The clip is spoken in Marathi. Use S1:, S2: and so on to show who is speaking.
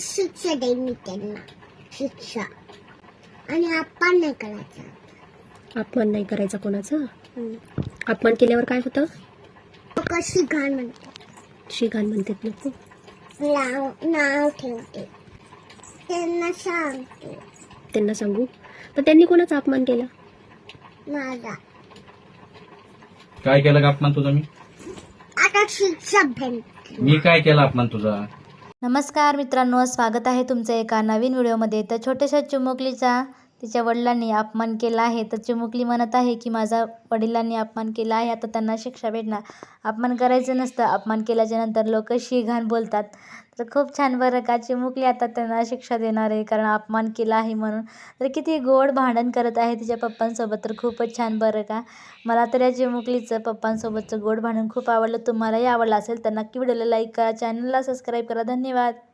S1: शिक्षा देईन मी त्यांना, शिक्षा. आणि अपमान नाही करायचा.
S2: अपमान नाही करायचा कोणाचा.
S1: हम्म.
S2: अपमान केल्यावर काय होतं.
S1: कशी घाण म्हणते,
S2: शिघाण म्हणतात लोक.
S1: नाव ठेवते, त्यांना सांगते
S2: त्यांना सांगू. तर त्यांनी कोणाचा अपमान केला.
S1: माझा.
S3: काय केलं का अपमान तुझा मी?
S1: आता शिक्षा भेटते.
S3: मी काय केला अपमान तुझा?
S4: नमस्कार मित्रांनो, स्वागत आहे तुमचं एका नवीन व्हिडिओमध्ये. तर छोट्याशा चिमुकलीचा तिच्या वडिलांनी अपमान केला आहे. तर चिमुकली म्हणत आहे की माझा वडिलांनी अपमान केला आहे, आता त्यांना शिक्षा भेटणार. अपमान करायचं नसतं, अपमान केल्याच्या नंतर लोक शी-घाण बोलतात. तर खूप छान बरं का, चिमुकली आता त्यांना शिक्षा देणार आहे कारण अपमान केला आहे म्हणून. तर किती गोड भांडण करत आहे तिच्या पप्पांसोबत. तर खूपच छान बरं का. मला तर या चिमुकलीचं पप्पांसोबतचं गोड भांडण खूप आवडलं. तुम्हालाही आवडलं असेल तर नक्की व्हिडिओला लाईक करा, चॅनलला सबस्क्राईब करा. धन्यवाद.